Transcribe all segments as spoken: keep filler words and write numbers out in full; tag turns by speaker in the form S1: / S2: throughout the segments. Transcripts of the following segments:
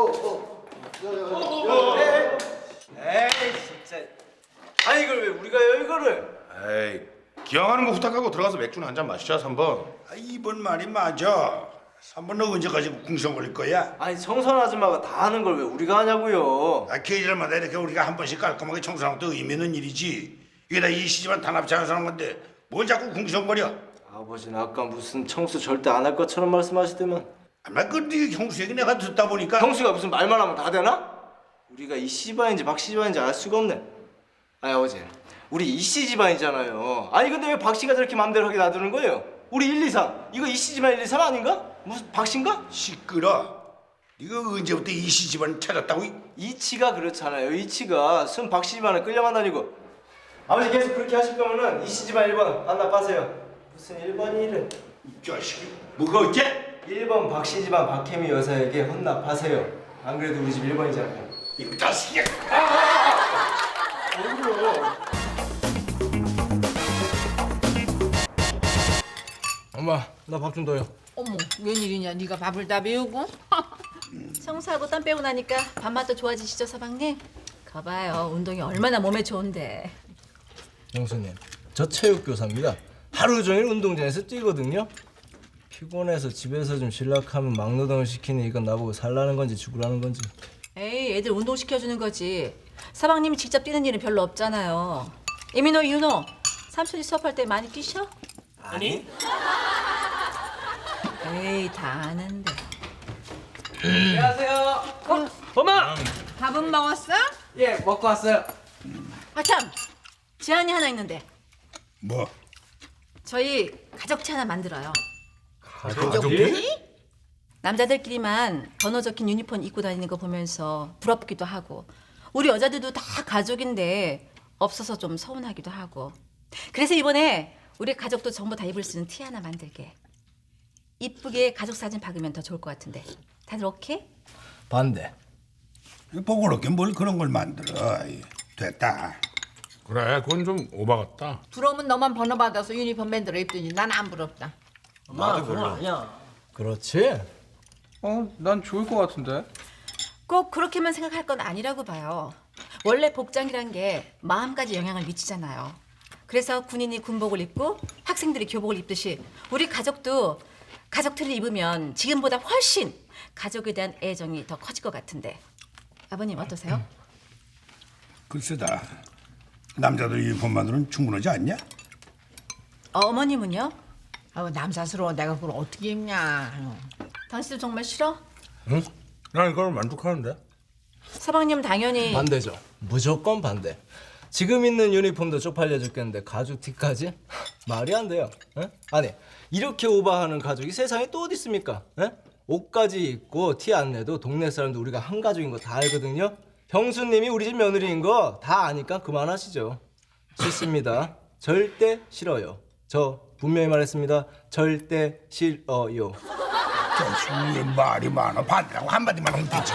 S1: 어, 어. 에이 진짜. 아니 이걸 왜 우리가 해 이거를?
S2: 에이, 기왕하는 거 후딱하고 들어가서 맥주나 한잔 마시자 삼 번.
S3: 아, 이번 말이 맞아. 삼 번 너 언제까지 궁성 걸릴 거야?
S1: 아니 청선 아줌마가 다 하는 걸 왜 우리가 하냐고요?
S3: 아, 계절마다 이렇게 우리가 한 번씩 깔끔하게 청소하는 것도 의미 있는 일이지. 이게 다 이 시집안 단합 자연스러운 건데 뭘 자꾸 궁성거려?
S1: 아버지는 아까 무슨 청소 절대 안 할 것처럼 말씀하시더만.
S3: 아마 그네 형수 얘기 내가 듣다 보니까
S1: 형수가 무슨 말만 하면 다 되나? 우리가 이 씨바인지 박 씨바인지 알 수가 없네. 아니 어제 우리 이씨 집안이잖아요. 아니 근데 왜 박 씨가 저렇게 맘대로 하게 놔두는 거예요? 우리 일, 이, 삼 이거 이씨 집안 일, 이, 삼 아닌가? 무슨 박 씨인가?
S3: 시끄러. 네가 언제부터 이 시집안 찾았다고?
S1: 이치가 그렇잖아요. 이치가 순 박 씨 집안에 끌려만 다니고. 아버지 계속 그렇게 하실 거면은 이씨 집안 일 번 반납 빠세요. 무슨 일 번이 이래?
S3: 이 자식이 뭐가 어째?
S1: 일 번 박 씨 집안 박혜미 여사에게 헌납하세요. 안 그래도 우리 집 일 번이잖아요.
S3: 이 자식이.
S1: 엄마 나 밥 좀 더요.
S4: 어머, 웬일이냐? 네가 밥을 다 배우고?
S5: 청소하고 땀 빼고 나니까 밥맛도 좋아지시죠, 서방님? 거봐요, 운동이 얼마나 몸에 좋은데.
S1: 형수님 저 체육교사입니다. 하루 종일 운동장에서 뛰거든요. 피곤해서 집에서 좀 실락하면 막노동을 시키니 이건 나보고 살라는 건지 죽으라는 건지.
S5: 에이, 애들 운동 시켜주는 거지. 서방님이 직접 뛰는 일은 별로 없잖아요. 이민호, 윤호, 삼촌이 수업할 때 많이 뛰셔?
S1: 아니?
S5: 에이, 다 아는데.
S1: 안녕하세요. 어? 엄마!
S4: 밥은 먹었어?
S1: 예 먹고 왔어요.
S5: 아, 참! 제안이 하나 있는데.
S3: 뭐?
S5: 저희 가족체 하나 만들어요.
S1: 가족이?
S5: 남자들끼리만 번호 적힌 유니폼 입고 다니는 거 보면서 부럽기도 하고, 우리 여자들도 다 가족인데 없어서 좀 서운하기도 하고. 그래서 이번에 우리 가족도 전부 다 입을 수 있는 티 하나 만들게. 이쁘게 가족 사진 박으면 더 좋을 것 같은데. 다들 오케이?
S1: 반대.
S3: 보고롭게 뭘 그런 걸 만들어. 아이, 됐다.
S2: 그래, 그건 좀 오바 같다.
S4: 부러우면 너만 번호 받아서 유니폼 만들어 입더니 난 안 부럽다.
S6: 나도 별로.
S1: 그렇지?
S7: 어, 난 좋을 것 같은데.
S5: 꼭 그렇게만 생각할 건 아니라고 봐요. 원래 복장이란 게 마음까지 영향을 미치잖아요. 그래서 군인이 군복을 입고 학생들이 교복을 입듯이 우리 가족도 가족 틀을 입으면 지금보다 훨씬 가족에 대한 애정이 더 커질 것 같은데. 아버님 어떠세요?
S3: 글쎄다. 남자들 유니폼만으로는 충분하지 않냐?
S5: 어, 어머님은요?
S4: 아우 남사스러워. 내가 그걸 어떻게 입냐.
S5: 당신도 정말 싫어?
S2: 응? 난 이걸 만족하는데.
S5: 서방님 당연히.
S1: 반대죠. 무조건 반대. 지금 있는 유니폼도 쪽팔려 죽겠는데 가죽 티까지? 말이 안 돼요. 에? 아니 이렇게 오버하는 가족이 세상에 또 어디 있습니까? 에? 옷까지 입고 티 안 내도 동네 사람도 우리가 한 가족인 거 다 알거든요. 형수님이 우리 집 며느리인 거 다 아니까 그만하시죠. 싫습니다. 절대 싫어요. 저 분명히 말했습니다. 절대 싫어요.
S3: 자식이 말이 많아. 반대라고 한마디만 하면 되지.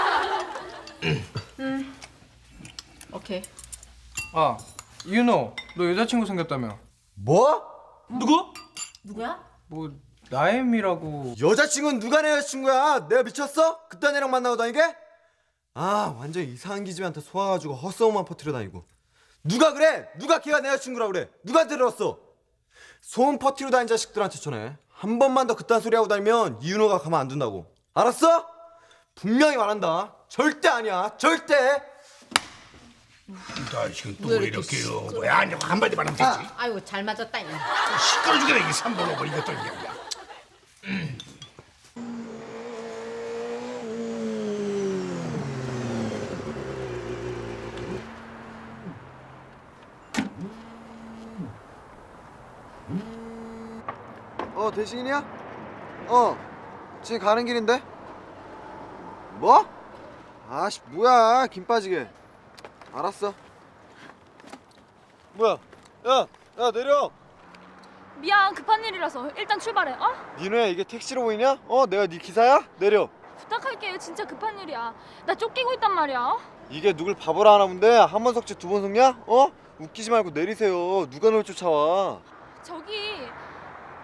S5: 음. 오케이.
S7: 아, 윤호, 너 여자친구 생겼다며?
S6: 뭐?
S1: 누구?
S5: 누구야?
S7: 뭐 나엠이라고.
S6: 여자친구는 누가 내 여자친구야? 내가 미쳤어? 그딴 애랑 만나고 다니게? 아 완전 이상한 기집애한테 속아가지고 헛소문만 퍼뜨려 다니고. 누가 그래? 누가 걔가 내 여자친구라고 그래? 누가 들었어? 소문 퍼뜨려 다닌 자식들한테 전해. 한 번만 더 그딴 소리 하고 다니면 이윤호가 가만 안 둔다고. 알았어? 분명히 말한다. 절대 아니야. 절대.
S3: 이 자식은 또
S4: 왜
S3: 왜
S4: 이렇게
S3: 이렇게 요 뭐야? 아니 한마디만 하면 되지.
S4: 아, 아이고 잘 맞았다. 이.
S3: 시끄러 죽겠네 이게 삼 번 오버 이것도 이게 뭐야.
S6: 어 대식이냐? 어 지금 가는 길인데? 뭐? 아씨 뭐야 김 빠지게. 알았어. 뭐야? 야, 야 내려.
S8: 미안 급한 일이라서 일단 출발해. 어?
S6: 니네 이게 택시로 보이냐? 어 내가 네 기사야? 내려.
S8: 부탁할게. 진짜 급한 일이야. 나 쫓기고 있단 말이야. 어?
S6: 이게 누굴 바보라 하나 본데 한 번 속지 두 번 속냐? 어? 웃기지 말고 내리세요. 누가 널 쫓아와?
S8: 저기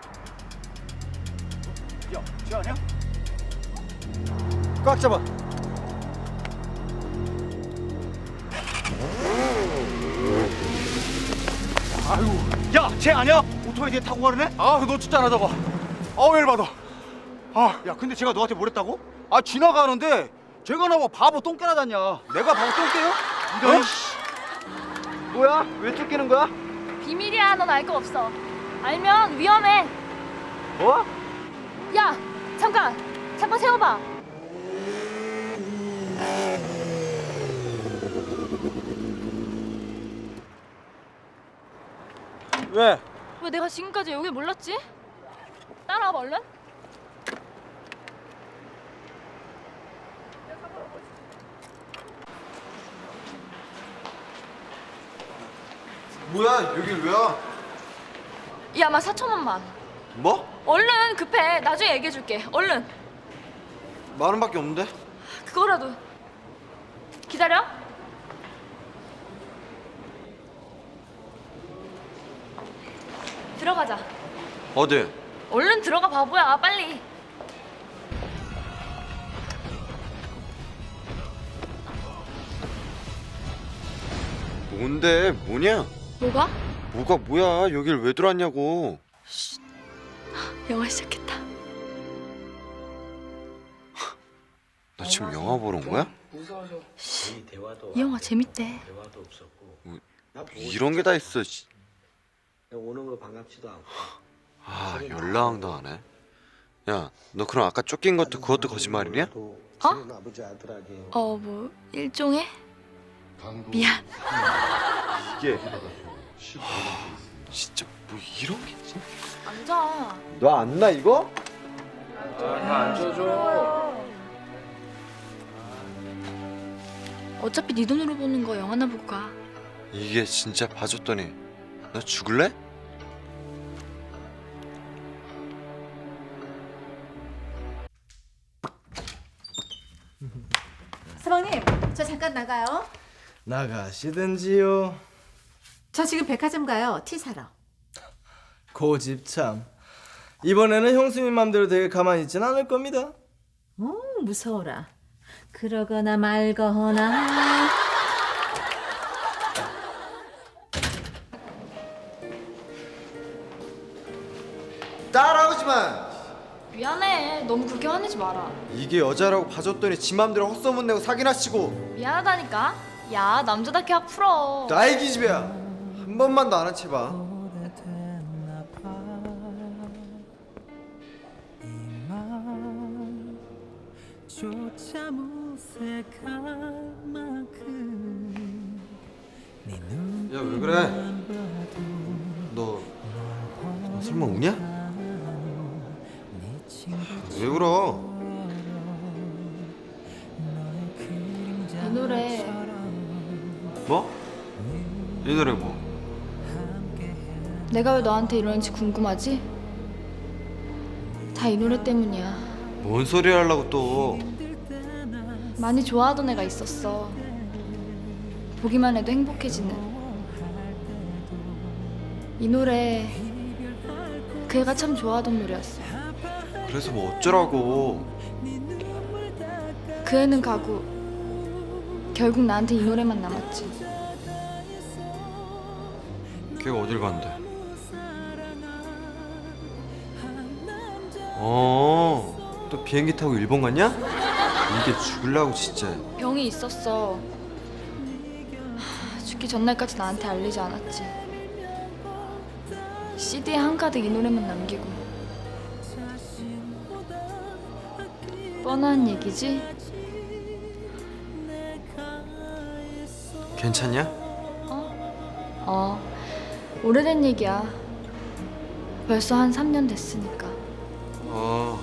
S6: 야, 쟤 아니야? 꽉 잡아.
S9: 야, 쟤 아니야? 오토바이 뒤에 타고 가려네?
S7: 아, 놓쳤잖아 저거. 아우 열받아.
S9: 아, 야, 근데 쟤가 너한테 뭐랬다고?
S7: 아 지나가는데 쟤가 나뭐 바보 똥개나 das냐. 내가 바보 똥개요?
S9: 이런
S7: 뭐야? 왜 쫓기는 거야?
S8: 비밀이야. 넌 알 거 없어. 알면 위험해.
S7: 뭐?
S8: 야, 잠깐. 잠깐 세워봐.
S7: 왜?
S8: 왜 내가 지금까지 여길 몰랐지? 따라와봐 얼른.
S6: 뭐야 여길 왜 와?
S8: 야, 막 사천 원만.
S6: 뭐?
S8: 얼른 급해. 나중에 얘기해줄게. 얼른.
S6: 만 원밖에 없는데?
S8: 그거라도. 기다려. 들어가자.
S6: 어디?
S8: 얼른 들어가 바보야. 빨리.
S6: 뭔데 뭐냐?
S8: 뭐가?
S6: 뭐가 뭐야 여길 왜 들어왔냐고.
S8: 영화 시작했다.
S6: 너 지금 영화 보러 온 거야?
S8: 이 영화 재밌대.
S6: 이런 게 다 있어. 씨.
S10: 오는 거 반갑지도 않고.
S6: 아 연락도 안 해? 야 너 그럼 아까 쫓긴 것도 그것도 거짓말이냐?
S8: 어?
S10: 아버지 아들에게
S8: 어, 뭐 일종의? 미안.
S6: 이게 진짜 뭐 이런 게
S8: 앉아.
S6: 너 안 나 이거?
S8: 어차피 네 돈으로 보는 거 영화나 볼까?
S6: 이게 진짜 봐줬더니 너 죽을래?
S4: 서방님, 저 잠깐 나가요.
S1: 나가시든지요.
S4: 저 지금 백화점 가요. 티 사러.
S1: 고집 참. 이번에는 형수님 맘대로 되게 가만히 있진 않을 겁니다.
S4: 오, 무서워라. 그러거나 말거나.
S6: 따라오지 마.
S8: 미안해. 너무 그렇게 화내지 마라.
S6: 이게 여자라고 봐줬더니 지 맘대로 헛소문 내고 사기나 치고.
S8: 미안하다니까. 야, 남자답게 확 풀어.
S6: 나의 기집애야. 한 번만 더 안 한 채 봐. 야 왜 그래? 너, 너 설마 우냐? 왜 울어?
S8: 이 노래
S6: 뭐? 이 노래 뭐?
S8: 내가 왜 너한테 이러는지 궁금하지? 다 이 노래 때문이야.
S6: 뭔 소리 하려고 또?
S8: 많이 좋아하던 애가 있었어. 보기만 해도 행복해지는. 이 노래 그 애가 참 좋아하던 노래였어.
S6: 그래서 뭐 어쩌라고?
S8: 그 애는 가고 결국 나한테 이 노래만 남았지.
S6: 걔가 어딜 간대? 어, 또 비행기 타고 일본 갔냐? 이게 죽을라고 진짜.
S8: 병이 있었어. 하, 죽기 전날까지 나한테 알리지 않았지. 씨디에 한가득 이 노래만 남기고. 뻔한 얘기지?
S6: 괜찮냐?
S8: 어, 오래된 얘기야. 벌써 한 삼 년 됐으니까.
S6: 어.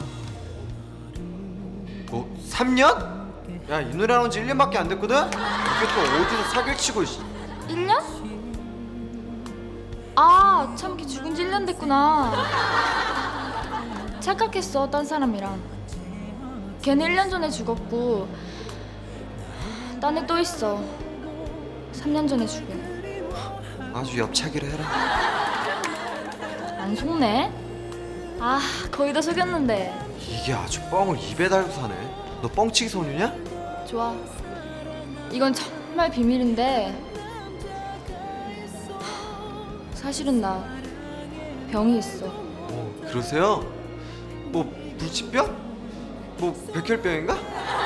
S6: 뭐 삼 년? 야, 이 노래 나온 지 일 년밖에 안 됐거든? 이게 또 어디서 사기치고 씨.
S8: 일 년? 아, 참기 죽은 지 일 년 됐구나. 착각했어, 딴 사람이랑. 걔는 일 년 전에 죽었고 딴 애 또 있어. 삼 년 전에 죽은.
S6: 아주 엽차기를 해라.
S8: 안 속네? 아, 거의 다 속였는데.
S6: 이게 아주 뻥을 입에 달고 사네. 너 뻥치기 소녀냐?
S8: 좋아. 이건 정말 정말 비밀인데 사실은 나 병이 있어.
S6: 그러세요? 뭐 불치병? 뭐 백혈병인가?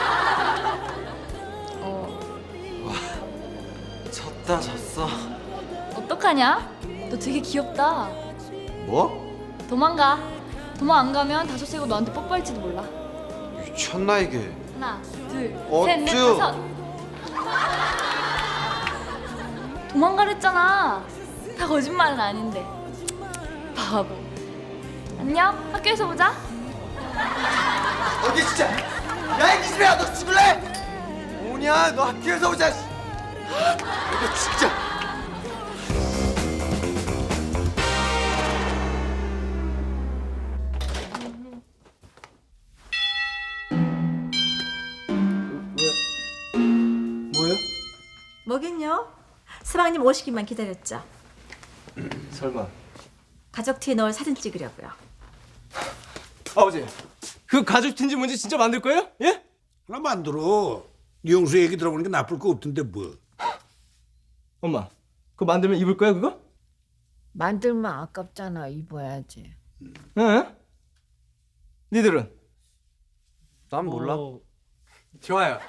S8: 어,
S6: 졌다 졌어.
S8: 어떡하냐? 너 되게 귀엽다.
S6: 뭐?
S8: 도망가. 도망 안 가면 다섯 세고 너한테 뽀뽀할지도 몰라.
S6: 미쳤나 이게?
S8: 하나, 둘,
S6: 어쭈.
S8: 셋, 넷, 다섯. 도망가랬잖아. 다 거짓말은 아닌데. 바보. 안녕. 학교에서 보자.
S6: 어디 진짜? 야 이 기집애야 너 죽을래? 뭐냐 너 학교에서 오자. 씨. 이거 진짜.
S1: 뭐예요?
S5: 뭐긴요? 서방님 오시기만 기다렸죠.
S1: 설마.
S5: 가족 티에 넣을 사진 찍으려고요.
S1: 아버지, 그 가죽 티인지 뭔지 진짜 만들 거예요? 예?
S3: 하나 만들어. 영수 얘기 들어보니까 나쁠 거 없던데 뭐.
S1: 엄마, 그거 만들면 입을 거야 그거?
S4: 만들면 아깝잖아. 입어야지.
S1: 응? 니들은?
S6: 난 몰라.
S1: 좋아요.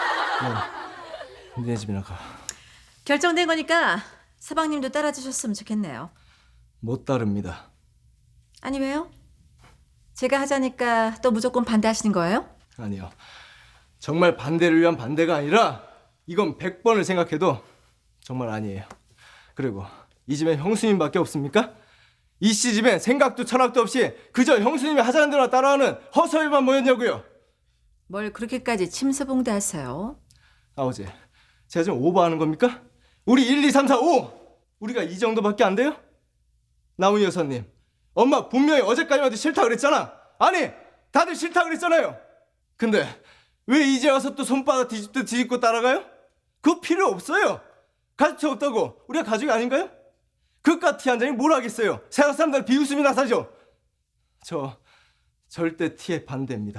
S1: 네, 니네 집이나 가.
S5: 결정된 거니까 서방님도 따라주셨으면 좋겠네요.
S1: 못 따릅니다.
S5: 아니 왜요? 제가 하자니까 또 무조건 반대하시는 거예요?
S1: 아니요. 정말 반대를 위한 반대가 아니라 이건 백 번을 생각해도 정말 아니에요. 그리고 이 집엔 형수님밖에 없습니까? 이 씨 집엔 생각도 철학도 없이 그저 형수님이 하자는 대로 따라하는 허서일만 모였냐고요.
S5: 뭘 그렇게까지 침소봉대하세요?
S1: 아버지, 제가 지금 오버하는 겁니까? 우리 일, 이, 삼, 사, 오! 우리가 이 정도밖에 안 돼요? 나훈이 여사님, 엄마 분명히 어제까지만 해도 싫다 그랬잖아. 아니, 다들 싫다 그랬잖아요. 근데 왜 이제 와서 또 손바닥 뒤집듯 뒤집고 따라가요? 그거 필요 없어요. 가족이 없다고 우리가 가족이 아닌가요? 그깟 티 한 장이 뭘 하겠어요. 세상 사람들 비웃음이나 사죠. 저 절대 티에 반대입니다.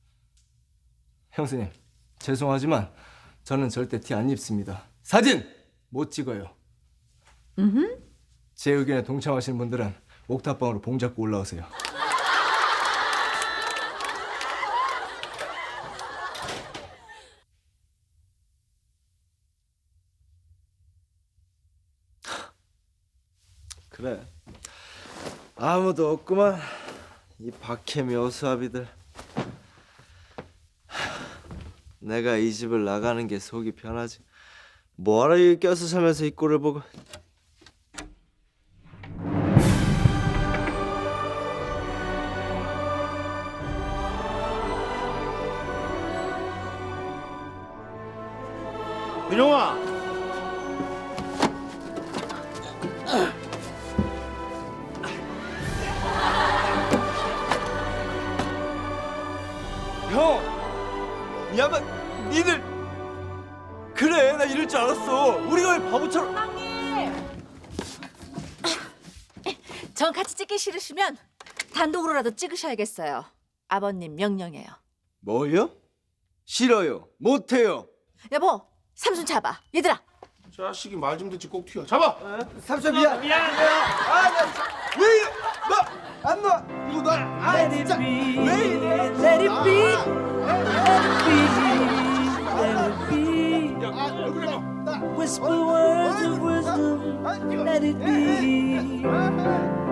S1: 형수님, 죄송하지만 저는 절대 티 안 입습니다. 사진 못 찍어요.
S5: 음.
S1: 제 의견에 동참하시는 분들은 옥탑방으로 봉 잡고 올라오세요. 그래, 아무도 없구만. 이 박해미 어수아비들. 내가 이 집을 나가는 게 속이 편하지. 뭐하러 여기 껴서 살면서 이 꼴을 보고.
S9: 민영아.
S1: 형! 이 양반, 니들! 그래, 나 이럴 줄 알았어. 우리가 왜 바보처럼...
S5: 전 같이 찍기 싫으시면 단독으로라도 찍으셔야겠어요. 아버님 명령이에요.
S1: 뭐요? 싫어요. 못해요.
S5: 여보, 삼순 잡아. 얘들아.
S2: 자식이 말 좀 듣지 꼭 튀어. 잡아.
S6: 삼촌 미안.
S1: 아, 나 진짜 왜 이래? 너! 안 놔! 이거 놔! 아, 진짜! 왜 이래?
S11: Let it be,
S1: 야, 얼굴 봐.
S11: whisper words of wisdom, let it be.